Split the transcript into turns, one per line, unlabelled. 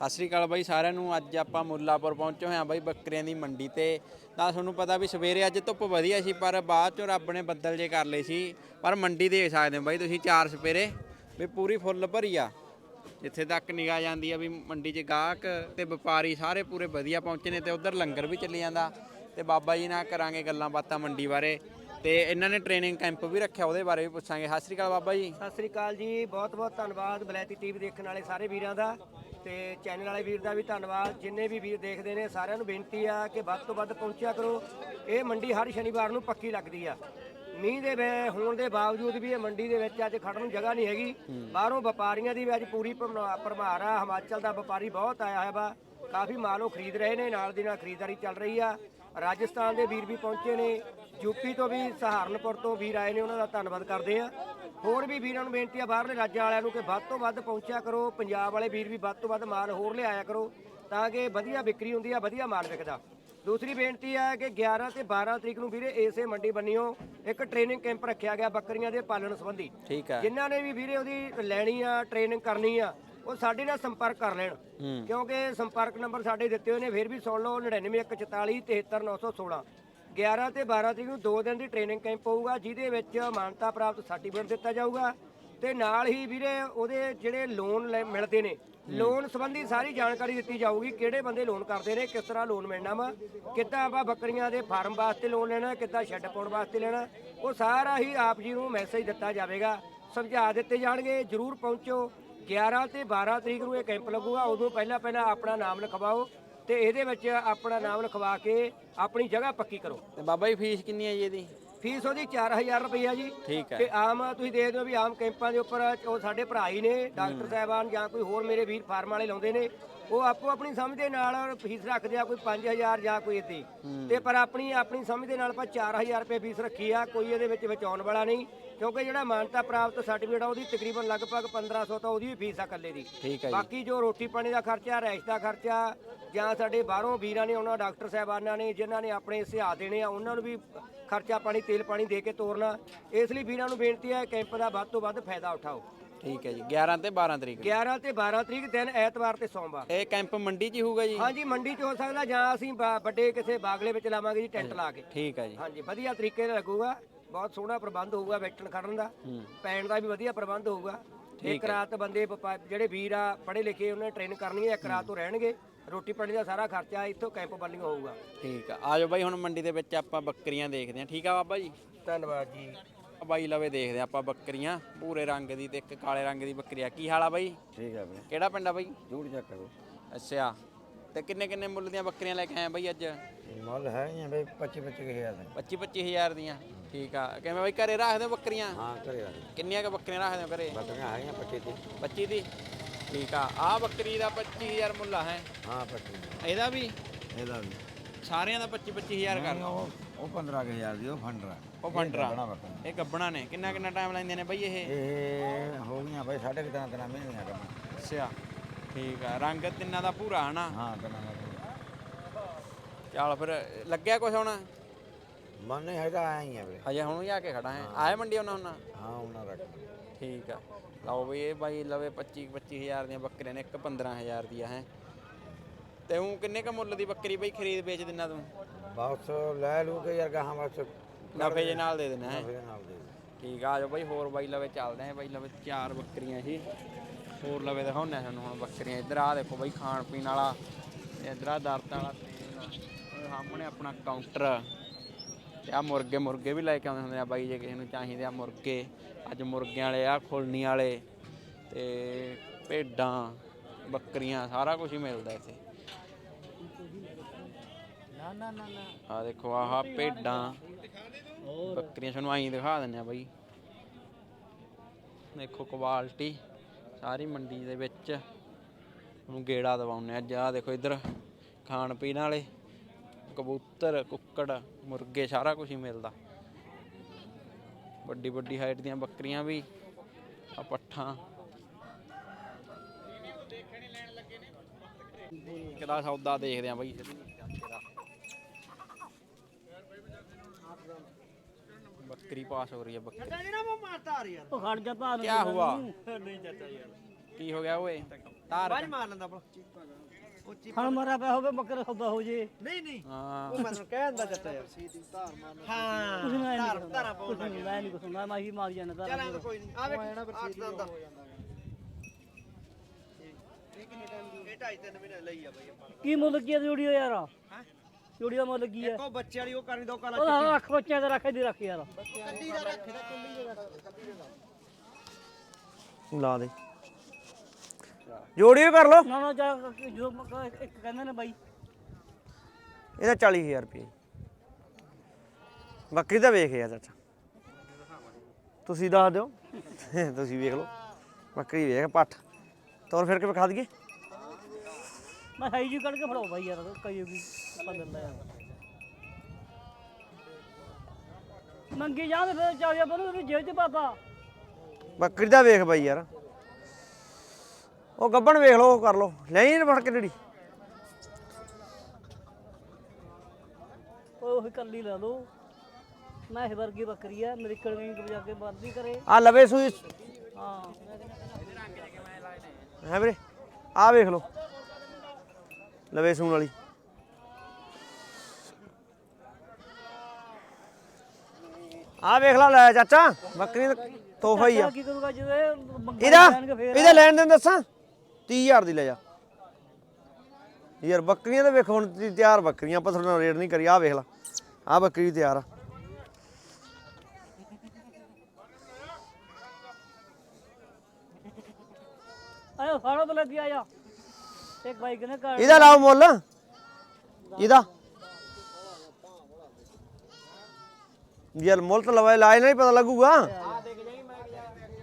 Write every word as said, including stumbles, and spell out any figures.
ਸਤਿ ਸ਼੍ਰੀ ਅਕਾਲ ਬਾਈ ਸਾਰਿਆਂ ਨੂੰ। ਅੱਜ ਆਪਾਂ ਮੁੱਲਾਪੁਰ ਪਹੁੰਚੇ ਹੋਏ ਹਾਂ ਬਾਈ ਬੱਕਰੀਆਂ ਦੀ ਮੰਡੀ ਤੇ। ਤਾਂ ਤੁਹਾਨੂੰ ਪਤਾ ਵੀ ਸਵੇਰੇ ਅੱਜ ਧੁੱਪ ਵਧੀਆ ਸੀ, ਪਰ ਬਾਅਦ ਚੋਂ ਰੱਬ ਨੇ ਬੱਦਲ ਜੇ ਕਰ ਲਏ ਸੀ। ਪਰ ਮੰਡੀ ਦੇਖ ਸਕਦੇ ਹੋ ਬਾਈ ਤੁਸੀਂ, ਚਾਰ ਸਪੇਰੇ ਵੀ ਪੂਰੀ ਫੁੱਲ ਭਰੀ ਆ। ਜਿੱਥੇ ਤੱਕ ਨਿਗਾਹ ਜਾਂਦੀ ਆ ਵੀ ਮੰਡੀ 'ਚ ਗਾਹਕ ਤੇ ਵਪਾਰੀ ਸਾਰੇ ਪੂਰੇ ਵਧੀਆ ਪਹੁੰਚੇ ਨੇ, ਤੇ ਉਧਰ ਲੰਗਰ ਵੀ ਚੱਲੀ ਜਾਂਦਾ। ਤੇ ਬਾਬਾ ਜੀ ਨਾਲ ਕਰਾਂਗੇ ਗੱਲਾਂ ਬਾਤਾਂ ਮੰਡੀ ਬਾਰੇ, ਤੇ ਇਹਨਾਂ ਨੇ ਟ੍ਰੇਨਿੰਗ ਕੈਂਪ ਵੀ ਰੱਖਿਆ, ਉਹਦੇ ਬਾਰੇ ਵੀ ਪੁੱਛਾਂਗੇ। ਸਤਿ ਸ਼੍ਰੀ ਅਕਾਲ ਬਾਬਾ ਜੀ।
ਸਤਿ ਸ੍ਰੀ ਅਕਾਲ ਜੀ, ਬਹੁਤ ਬਹੁਤ ਧੰਨਵਾਦ ਬਲੈਤੀ ਟੀਵੀ ਦੇਖਣ ਵਾਲੇ ਸਾਰੇ ਵੀਰਾਂ ਦਾ, ਤੇ ਚੈਨਲ ਵਾਲੇ ਵੀਰ ਦਾ ਵੀ ਧੰਨਵਾਦ। ਜਿੰਨੇ ਵੀ ਵੀਰ ਦੇਖਦੇ ਨੇ ਸਾਰਿਆਂ ਨੂੰ ਬੇਨਤੀ ਆ ਕਿ ਵੱਧ ਤੋਂ ਵੱਧ ਪਹੁੰਚਿਆ ਕਰੋ। ਇਹ ਮੰਡੀ ਹਰ ਸ਼ਨੀਵਾਰ ਨੂੰ ਪੱਕੀ ਲੱਗਦੀ ਆ। ਮੀਂਹ ਦੇ ਵੇ ਹੋਣ ਦੇ ਬਾਵਜੂਦ ਵੀ ਇਹ ਮੰਡੀ ਦੇ ਵਿੱਚ ਅੱਜ ਖੜਨ ਨੂੰ ਜਗ੍ਹਾ ਨਹੀਂ ਹੈਗੀ। ਬਾਹਰੋਂ ਵਪਾਰੀਆਂ ਦੀ ਵੀ ਅੱਜ ਪੂਰੀ ਭਰਮਾਰ ਆ। ਹਿਮਾਚਲ ਦਾ ਵਪਾਰੀ ਬਹੁਤ ਆਇਆ ਹੈ ਵਾ, ਕਾਫੀ ਮਾਲ ਉਹ ਖਰੀਦ ਰਹੇ ਨੇ, ਨਾਲ ਦੀ ਨਾਲ ਖਰੀਦਦਾਰੀ ਚੱਲ ਰਹੀ ਆ। ਰਾਜਸਥਾਨ ਦੇ ਵੀਰ ਵੀ ਪਹੁੰਚੇ ਨੇ, ਯੂਪੀ ਤੋਂ ਵੀ, ਸਹਾਰਨਪੁਰ ਤੋਂ ਵੀਰ ਆਏ ਨੇ, ਉਹਨਾਂ ਦਾ ਧੰਨਵਾਦ ਕਰਦੇ ਆ। ਹੋਰ ਵੀ ਵੀਰਾਂ ਨੂੰ ਬੇਨਤੀ ਆ ਬਾਹਰਲੇ ਰਾਜਾਂ ਵਾਲਿਆਂ ਨੂੰ ਕਿ ਵੱਧ ਤੋਂ ਵੱਧ ਪਹੁੰਚਿਆ ਕਰੋ। ਪੰਜਾਬ ਵਾਲੇ ਵੀਰ ਵੀ ਵੱਧ ਤੋਂ ਵੱਧ ਮਾਲ ਹੋਰ ਲਿਆਇਆ ਕਰੋ, ਤਾਂ ਕਿ ਵਧੀਆ ਵਿਕਰੀ ਹੁੰਦੀ ਆ, ਵਧੀਆ ਮਾਲ ਵਿਕਦਾ। ਦੂਸਰੀ ਬੇਨਤੀ ਹੈ ਕਿ ਗਿਆਰਾਂ ਤੇ ਬਾਰਾਂ ਤਰੀਕ ਨੂੰ ਵੀਰੇ ਇਸੇ ਮੰਡੀ ਬੰਨਿਓ ਇੱਕ ਟ੍ਰੇਨਿੰਗ ਕੈਂਪ ਰੱਖਿਆ ਗਿਆ ਬੱਕਰੀਆਂ ਦੇ ਪਾਲਣ ਸੰਬੰਧੀ।
ਠੀਕ ਹੈ।
ਜਿਨ੍ਹਾਂ ਨੇ ਵੀ ਵੀਰੇ ਉਹਦੀ ਲੈਣੀ ਆ, ਟ੍ਰੇਨਿੰਗ ਕਰਨੀ ਆ, ਉਹ ਸਾਡੇ ਨਾਲ ਸੰਪਰਕ ਕਰ ਲੈਣ, ਕਿਉਂਕਿ ਸੰਪਰਕ ਨੰਬਰ ਸਾਡੇ ਦਿੱਤੇ ਹੋਏ ਨੇ, ਫਿਰ ਵੀ ਸੁਣ ਲਓ, ਨੜਿਨਵੇਂ ਇੱਕ ਚੁਤਾਲੀ ਤੇਹੱਤਰ ਨੌ ਸੌ ਸੋਲਾਂ। ਗਿਆਰਾਂ ਤੇ ਬਾਰਾਂ ਤਰੀਕ ਨੂੰ ਦੋ ਦਿਨ ਦੀ ਟ੍ਰੇਨਿੰਗ ਕੈਂਪ ਹੋਊਗਾ, ਜਿਹਦੇ ਵਿੱਚ ਮਾਨਤਾ ਪ੍ਰਾਪਤ ਸਰਟੀਫਿਕੇਟ ਦਿੱਤਾ ਜਾਊਗਾ, ਤੇ ਨਾਲ ਹੀ ਵੀਰੇ ਉਹਦੇ ਜਿਹੜੇ ਲੋਨ ਮਿਲਦੇ ਨੇ, ਲੋਨ ਸੰਬੰਧੀ ਸਾਰੀ ਜਾਣਕਾਰੀ ਦਿੱਤੀ ਜਾਊਗੀ। ਕਿਹੜੇ ਬੰਦੇ ਲੋਨ ਕਰਦੇ ਨੇ, ਕਿਸ ਤਰ੍ਹਾਂ ਲੋਨ ਮਿਲਣਾ ਵਾ, ਕਿੱਦਾਂ ਆਪਾਂ ਬੱਕਰੀਆਂ ਦੇ ਫਾਰਮ ਵਾਸਤੇ ਲੋਨ ਲੈਣਾ, ਕਿੱਦਾਂ ਸ਼ੈੱਡ ਪਾਉਣ ਵਾਸਤੇ ਲੈਣਾ, ਉਹ ਸਾਰਾ ਹੀ ਆਪ ਜੀ ਨੂੰ ਮੈਸੇਜ ਦਿੱਤਾ ਜਾਵੇਗਾ, ਸਮਝਾ ਦਿੱਤੇ ਜਾਣਗੇ। ਜ਼ਰੂਰ ਪਹੁੰਚੋ। ਗਿਆਰਾਂ ਤੇ ਬਾਰਾਂ ਤਰੀਕ ਨੂੰ ਇਹ ਕੈਂਪ ਲੱਗੂਗਾ। ਉਦੋਂ ਪਹਿਲਾਂ ਪਹਿਲਾਂ ਆਪਣਾ ਨਾਮ ਲਿਖਵਾਓ, ਤੇ ਇਹਦੇ ਵਿੱਚ ਆਪਣਾ ਨਾਮ ਲਿਖਵਾ ਕੇ ਆਪਣੀ ਜਗ੍ਹਾ ਪੱਕੀ ਕਰੋ।
ਤੇ ਬਾਬਾ ਜੀ ਫੀਸ ਕਿੰਨੀ ਹੈ ਜੀ ਇਹਦੀ?
ਫੀਸ ਉਹਦੀ ਚਾਰ ਹਜ਼ਾਰ ਰੁਪਈਆ ਜੀ।
ਠੀਕ ਹੈ।
ਤੇ ਆਮ ਤੁਸੀਂ ਦੇਖਦੇ ਹੋ ਵੀ ਆਮ ਕੈਂਪਾਂ ਦੇ ਉੱਪਰ ਉਹ ਸਾਡੇ ਭਰਾ ਹੀ ਨੇ, ਡਾਕਟਰ ਸਾਹਿਬਾਨ ਜਾਂ ਕੋਈ ਹੋਰ ਮੇਰੇ ਵੀਰ ਫਾਰਮ ਵਾਲੇ ਲਾਉਂਦੇ ਨੇ, ਉਹ ਆਪੋ ਆਪਣੀ ਸਮਝ ਦੇ ਨਾਲ ਫੀਸ ਰੱਖਦੇ ਆ, ਕੋਈ ਪੰਜ ਹਜ਼ਾਰ ਜਾਂ ਕੋਈ ਇੱਦਾਂ। ਤੇ ਪਰ ਆਪਣੀ ਆਪਣੀ ਸਮਝ ਦੇ ਨਾਲ ਆਪਾਂ ਚਾਰ ਹਜ਼ਾਰ ਰੁਪਏ ਫੀਸ ਰੱਖੀ ਆ। ਕੋਈ ਇਹਦੇ ਵਿੱਚ ਵਿੱਚ ਆਉਣ ਵਾਲਾ ਨਹੀਂ, ਕਿਉਂਕਿ ਜਿਹੜਾ ਮਾਨਤਾ ਪ੍ਰਾਪਤ ਸਰਟੀਫਿਕੇਟ ਆ ਉਹਦੀ ਤਕਰੀਬਨ ਲਗਭਗ ਪੰਦਰਾਂ ਸੌ ਤਾਂ ਉਹਦੀ ਵੀ ਫੀਸ ਆ ਇਕੱਲੇ ਦੀ।
ਠੀਕ ਹੈ ਜੀ।
ਬਾਕੀ ਜੋ ਰੋਟੀ ਪਾਣੀ ਦਾ ਖਰਚਾ, ਰਹਿਸ਼ ਦਾ ਖਰਚਾ, ਜਾਂ ਸਾਡੇ ਬਾਹਰੋਂ ਵੀਰਾਂ ਨੇ ਉਹਨਾਂ ਡਾਕਟਰ ਸਾਹਿਬਾਨਾਂ ਨੇ ਜਿਨ੍ਹਾਂ ਨੇ ਆਪਣੇ ਸਿਹਾ ਦੇਣੇ ਆ, ਉਹਨਾਂ ਨੂੰ ਵੀ ਖਰਚਾ ਪਾਣੀ, ਤੇਲ ਪਾਣੀ ਦੇ ਕੇ ਤੋਰਨਾ। ਇਸ ਲਈ ਵੀਰਾਂ ਨੂੰ ਬੇਨਤੀ ਹੈ ਕੈਂਪ ਦਾ ਵੱਧ ਤੋਂ ਵੱਧ ਫਾਇਦਾ ਉਠਾਓ।
ਠੀਕ ਹੈ ਜੀ। ਗਿਆਰਾਂ ਤੇ ਬਾਰਾਂ ਤਰੀਕ
ਗਿਆਰਾਂ ਤੇ ਬਾਰਾਂ ਤਰੀਕ ਦਿਨ ਐਤਵਾਰ ਤੇ ਸੋਮਵਾਰ।
ਇਹ ਕੈਂਪ ਮੰਡੀ 'ਚ ਹੀ ਹੋਊਗਾ ਜੀ?
ਹਾਂਜੀ, ਮੰਡੀ 'ਚ ਹੋ ਸਕਦਾ, ਜਾਂ ਅਸੀਂ ਵੱਡੇ ਕਿਸੇ ਬਾਗਲੇ ਵਿੱਚ ਲਾਵਾਂਗੇ ਜੀ, ਟੈਂਟ ਲਾ ਕੇ।
ਠੀਕ ਹੈ ਜੀ।
ਹਾਂਜੀ, ਵਧੀਆ ਤਰੀਕੇ ਨਾਲ ਲੱਗੂਗਾ, ਬਹੁਤ ਸੋਹਣਾ ਪ੍ਰਬੰਧ ਹੋਊਗਾ, ਬੈਠਣ ਖੜਨ ਦਾ, ਪੈਣ ਦਾ ਵੀ ਵਧੀਆ ਪ੍ਰਬੰਧ ਹੋਊਗਾ। ਇੱਕ ਰਾਤ ਬੰਦੇ ਜਿਹੜੇ ਵੀਰ ਆ ਪੜ੍ਹੇ ਲਿਖੇ, ਉਹਨਾਂ ਨੇ ਟ੍ਰੇਨ ਕਰਨੀ ਹੈ, ਇੱਕ ਰਾਤ ਤੋਂ ਰਹਿਣਗੇ। ਰੋਟੀ ਪਾਣੀ ਦਾ ਸਾਰਾ ਖਰਚਾ ਇੱਥੋਂ ਕੈਂਪ ਵੱਲੋਂ ਹੋਊਗਾ।
ਠੀਕ ਆ। ਆਜੋ ਬਾਈ, ਹੁਣ ਮੰਡੀ ਦੇ ਵਿੱਚ ਆਪਾਂ ਬੱਕਰੀਆਂ ਦੇਖਦੇ ਹਾਂ। ਠੀਕ ਆ ਬਾਬਾ ਜੀ,
ਧੰਨਵਾਦ ਜੀ।
ਬਾਈ ਲਵੇ ਦੇਖਦੇ ਆ ਆਪਾਂ ਬੱਕਰੀਆਂ, ਭੂਰੇ ਰੰਗ ਦੀ ਤੇ ਇੱਕ ਕਾਲੇ ਰੰਗ ਦੀ ਬੱਕਰੀ ਆ। ਕੀ ਹਾਲ ਆ ਬਾਈ?
ਠੀਕ ਆ ਬਈ।
ਕਿਹੜਾ ਪਿੰਡ ਆ ਬਾਈ?
ਜੂੜ ਚੱਕ ਕਰੋ।
ਅੱਛਾ, ਤੇ ਕਿੰਨੇ ਕਿੰਨੇ ਮੁੱਲ ਦੀਆਂ ਬੱਕਰੀਆਂ ਲੈ ਕੇ ਆਏ ਬਾਈ ਅੱਜ?
ਮੁੱਲ ਹੈਗੀਆਂ ਬਈ ਪੱਚੀ ਪੱਚੀ ਹਜ਼ਾਰ ਦੇ।
ਪੱਚੀ ਪੱਚੀ ਹਜ਼ਾਰ ਦੀਆਂ। ਠੀਕ ਆ। ਕਿਵੇਂ ਬਾਈ ਘਰੇ ਰੱਖਦੇ ਹੋ ਬੱਕਰੀਆਂ?
ਹਾਂ, ਘਰੇ ਆ।
ਕਿੰਨੀਆਂ ਕੁ ਬੱਕਰੀਆਂ ਰੱਖਦੇ ਹੋ ਘਰੇ?
ਬੱਕਰੀਆਂ ਹੈਗੀਆਂ ਪੱਚੀ ਦੀ।
ਪੱਚੀ ਦੀ। ਠੀਕ ਆ। ਆਹ ਬੱਕਰੀ ਦਾ ਪੱਚੀ ਹਜ਼ਾਰ ਮੁੱਲ ਆ ਹੈ?
ਹਾਂ, ਪੱਚੀ।
ਇਹਦਾ ਵੀ?
ਇਹਦਾ ਵੀ
ਸਾਰਿਆਂ ਦਾ ਪੱਚੀ ਪੱਚੀ ਹਜ਼ਾਰ ਕਰ?
ਉਹ ਪੰਦਰਾਂ ਹਜ਼ਾਰ ਦੀ ਉਹ ਫੰਡਰਾ।
ਉਹ ਫੰਡਰਾ, ਇਹ ਗੱਬਣਾ ਨੇ। ਕਿੰਨਾ ਕਿੰਨਾ ਟਾਈਮ ਲੈਂਦੇ ਨੇ ਬਾਈ ਇਹ?
ਇਹ ਹੋ ਗਈਆਂ ਬਾਈ ਸਾਢੇ ਤਿੰਨ ਤਿੰਨ ਮਹੀਨਿਆਂ ਗੱਬਣਾ।
ਅੱਛਾ, ਠੀਕ ਆ। ਰੰਗ ਤਿੰਨਾਂ ਦਾ ਭੂਰਾ ਹਨਾ?
ਹਾਂ, ਤਿੰਨਾਂ ਦਾ।
ਚੱਲ ਫਿਰ ਲੱਗਿਆ ਕੁਛ ਹੁਣ?
ਮਨ ਨਹੀਂ ਹੈਗਾ, ਆਇਆ ਹੀ ਆ ਵੀਰੇ,
ਹਜੇ ਹੁਣ ਹੀ ਆ ਕੇ ਖੜਾ ਹੈ। ਆਏ ਮੰਡੀ ਉਹਨਾਂ ਹੁਣ?
ਹਾਂ, ਉਹਨਾਂ ਦਾ।
ਠੀਕ ਆ। ਲਓ ਬਈ, ਇਹ ਬਾਈ ਲਵੇ ਪੱਚੀ ਪੱਚੀ ਹਜ਼ਾਰ ਦੀਆਂ ਬੱਕਰੀਆਂ ਨੇ, ਇੱਕ ਪੰਦਰਾਂ ਹਜ਼ਾਰ ਦੀ ਆ ਹੈ। ਤੇ ਉਹ ਕਿੰਨੇ ਕ ਮੁੱਲ ਦੀ ਬੱਕਰੀ ਬਈ ਖਰੀਦ ਵੇਚ ਦਿੰਦਾ ਤੂੰ?
ਬਸ ਲੈ ਲੂ ਕੇ ਯਾਰ ਗਾਹਾਂ ਬਸ
ਨਫੇ ਜੇ ਨਾਲ ਦੇ ਦੇਣਾ ਹੈ?
ਨਫੇ ਨਾਲ ਦੇ।
ਠੀਕ ਆ। ਆ ਜਾਓ ਬਾਈ, ਹੋਰ ਬਾਈ ਲਵੇ ਚੱਲਦੇ ਆ। ਬਾਈ ਲਵੇ ਚਾਰ ਬੱਕਰੀਆਂ ਸੀ, ਹੋਰ ਲਵੇ ਦਿਖਾਉਂਦੇ ਆ ਤੁਹਾਨੂੰ ਹੁਣ ਬੱਕਰੀਆਂ। ਇੱਧਰ ਆ ਦੇਖੋ ਬਾਈ, ਖਾਣ ਪੀਣ ਵਾਲਾ, ਇੱਧਰ ਆ ਦਰਤਾਂ ਵਾਲਾ ਤੇਲ, ਸਾਹਮਣੇ ਆਪਣਾ ਕਾਊਂਟਰ, ਤੇ ਆ ਮੁਰਗੇ ਮੁਰਗੇ ਵੀ ਲੈ ਕੇ ਆਉਂਦੇ ਹੁੰਦੇ ਆ ਬਾਈ, ਜੇ ਕਿਸੇ ਨੂੰ ਚਾਹੀਦੇ ਆ ਮੁਰਗੇ। ਅੱਜ ਮੁਰਗਿਆਂ ਵਾਲੇ ਆ, ਖੁਲਣੀ ਵਾਲੇ, ਤੇ ਭੇਡਾਂ, ਬੱਕਰੀਆਂ, ਸਾਰਾ ਕੁਝ ਹੀ ਮਿਲਦਾ ਇੱਥੇ।
ਨਾ ਨਾ ਨਾ ਨਾ
ਆ ਦੇਖੋ, ਆਹ ਭੇਡਾਂ, ਬੱਕਰੀਆਂ ਤੁਹਾਨੂੰ ਆਈ ਦਿਖਾ ਦਿੰਦੇ ਆ ਬਾਈ। ਦੇਖੋ ਕੁਆਲਿਟੀ ਸਾਰੀ ਮੰਡੀ ਦੇ ਵਿੱਚ ਉਹਨੂੰ ਗੇੜਾ ਦਵਾਉਂਦੇ ਅੱਜ। ਆਹ ਦੇਖੋ ਇੱਧਰ ਖਾਣ ਪੀਣ ਵਾਲੇ, ਕਬੂਤਰ, ਕੁੱਕੜ, ਮੁਰਗੇ, ਸਾਰਾ ਕੁਝ ਹੀ ਮਿਲਦਾ। ਵੱਡੀ ਵੱਡੀ ਹਾਈਟ ਦੀਆਂ ਬੱਕਰੀਆਂ ਵੀ, ਆ ਪੱਠਾਂ। ਕਿਹੜਾ ਸੌਦਾ ਦੇਖਦੇ ਆ ਬਾਈ? बकरी पास हो रही है। बकरी
ਉਹ ਖੜ ਜਾ ਭਾ
क्या हुआ?
ਨਹੀਂ ਚਾਚਾ ਯਾਰ,
की हो गया? वो ਧਾਰ
ਬਾਜ ਮਾਰ ਲੈਂਦਾ ਆਪਣਾ ਉੱਚੀ
ਹਣ ਮਾਰਿਆ ਪਿਆ ਹੋਵੇ ਬੱਕਰੇ ਸੌਦਾ ਹੋ ਜੇ
ਨਹੀਂ ਨਹੀਂ
ਹਾਂ
ਉਹ ਮੈਨੂੰ ਕਹਿਣ ਦਾ ਚੱਟਾ ਯਾਰ ਸੀਦੀ ਧਾਰ ਮਾਰਨਾ ਹਾਂ
ਕੁਛ ਨਹੀਂ
ਧਾਰ ਧਾਰਾ ਪਾਉਣ ਲੱਗ ਗਿਆ
ਮੈਂ ਨਹੀਂ ਕੁਛ ਹੁੰਦਾ ਮੈਂ ਹੀ ਮਾਰ ਜਾਣਾ
ਚੱਲ
ਤਾਂ
ਐਂ ਤਾਂ ਕੋਈ ਨਹੀਂ ਆ ਵੇਖ ਅੱਠ ਦਾ ਦਾ ਇਹ ਢਾਈ ਤਿੰਨ ਮਹੀਨੇ ਲਈ ਆ ਬਈ ਆਪਾਂ
ਕੀ ਮੁੱਲ ਕੀ ਹੈ ਜੋੜੀ ਦਾ ਯਾਰ
ਹੈ
ਜੋੜੀ ਦਾ ਮੁੱਲ ਕੀ ਹੈ
ਇੱਕੋ ਬੱਚੇ ਵਾਲੀ ਉਹ ਕਰਨੀ ਦੋ ਕਾਲਾ
ਉਹ ਰੱਖ ਬੱਚਿਆਂ ਦਾ ਰੱਖ ਦੀ ਰੱਖ ਯਾਰ
ਕੱਲੀ ਦਾ ਰੱਖਦਾ ਕੱਲੀ ਦਾ
ਲਾ ਦੇ ਜੋੜੀ ਵੀ ਕਰ ਲੋ
ਨਾ ਨਾ ਜਾ ਜੋ ਇੱਕ ਕਹਿੰਦੇ ਨੇ ਬਾਈ
ਇਹਦਾ ਚਾਲੀ ਹਜ਼ਾਰ ਰੁਪਏ ਬੱਕਰੀ ਦਾ ਵੇਖ ਯਾਰ ਚਾਚਾ ਤੁਸੀਂ ਦੱਸ ਦਿਓ ਤੁਸੀਂ ਵੇਖ ਲਓ ਬੱਕਰੀ ਵੇਖ ਪੱਠ ਤੋਰ ਫਿਰ ਕੇ ਵਿਖਾ ਦਈਏ
ਮੈਂ ਹਾਈ ਜੀ ਕੱਢ ਕੇ ਫੜਾਓ ਬਾਈ ਯਾਰ ਕਈ ਵੀ ਆਪਾਂ ਦਿੰਦਾ ਯਾਰ ਮੰਗੀ ਜਾਂਦੇ ਫਿਰ ਚਾਲਿਆ ਬਨੂ ਉਹਨੂੰ ਜੇਬ ਚ ਪਾਤਾ
ਬੱਕਰੀ ਦਾ ਵੇਖ ਬਾਈ ਯਾਰ ਉਹ ਗੱਬਣ ਵੇਖ ਲਓ ਉਹ ਕਰ ਲਓ ਲੈ ਨਹੀਂ ਫੜ ਕੇ ਜਿਹੜੀ
ਉਹ ਕੱਲੀ ਲੈ ਲਓ ਮੈਂ ਇਹ ਵਰਗੀ ਬੱਕਰੀ ਆ ਮੇਰੀ ਕੜਵੀਂ ਵਜਾ ਕੇ ਬੰਦ ਨਹੀਂ ਕਰੇ
ਆ ਲਵੇ ਸੂਈ
ਹਾਂ
ਹੈ ਵੀਰੇ ਆ ਵੇਖ ਲਓ ਲਵੇ ਸੂਣ ਵਾਲੀ ਆ ਵੇਖ ਲਾ ਲੈ ਚਾਚਾ ਬੱਕਰੀ ਦਾ ਤੋਹਫਾ ਹੀ ਆ
ਕੀ ਕਰੂਗਾ ਜਿਵੇਂ ਮੰਗਾਈ
ਇਹਦਾ
ਲੈਣਗੇ ਫੇਰ
ਇਹਦਾ ਲੈਣ ਦੇਣ ਦੱਸਾਂ ਤੀਹ ਹਜ਼ਾਰ ਦੀ ਲੈ ਜਾ ਯਾਰ ਬੱਕਰੀਆਂ ਤਾਂ ਵੇਖੋ ਹੁਣ ਤੁਸੀਂ ਤਿਆਰ ਬੱਕਰੀਆਂ ਆਪਾਂ ਤੁਹਾਡੇ ਨਾਲ ਰੇਟ ਨਹੀਂ ਕਰੀ ਆ ਵੇਖ ਲਾ ਆ ਬੱਕਰੀ ਤਿਆਰ ਆ
ਆਇਓ ਸਾੜੋ ਬਲੇ ਦੀ ਆਇਆ ਇੱਕ ਬਾਈ ਕਹਿੰਦੇ ਘਰ
ਇਹਦਾ ਲਾਓ ਮੁੱਲ ਇਹਦਾ ਯਾਰ ਮੁੱਲ ਤਾਂ ਲਵਾਏ ਲਾਏ ਨਹੀਂ ਪਤਾ ਲੱਗੂਗਾ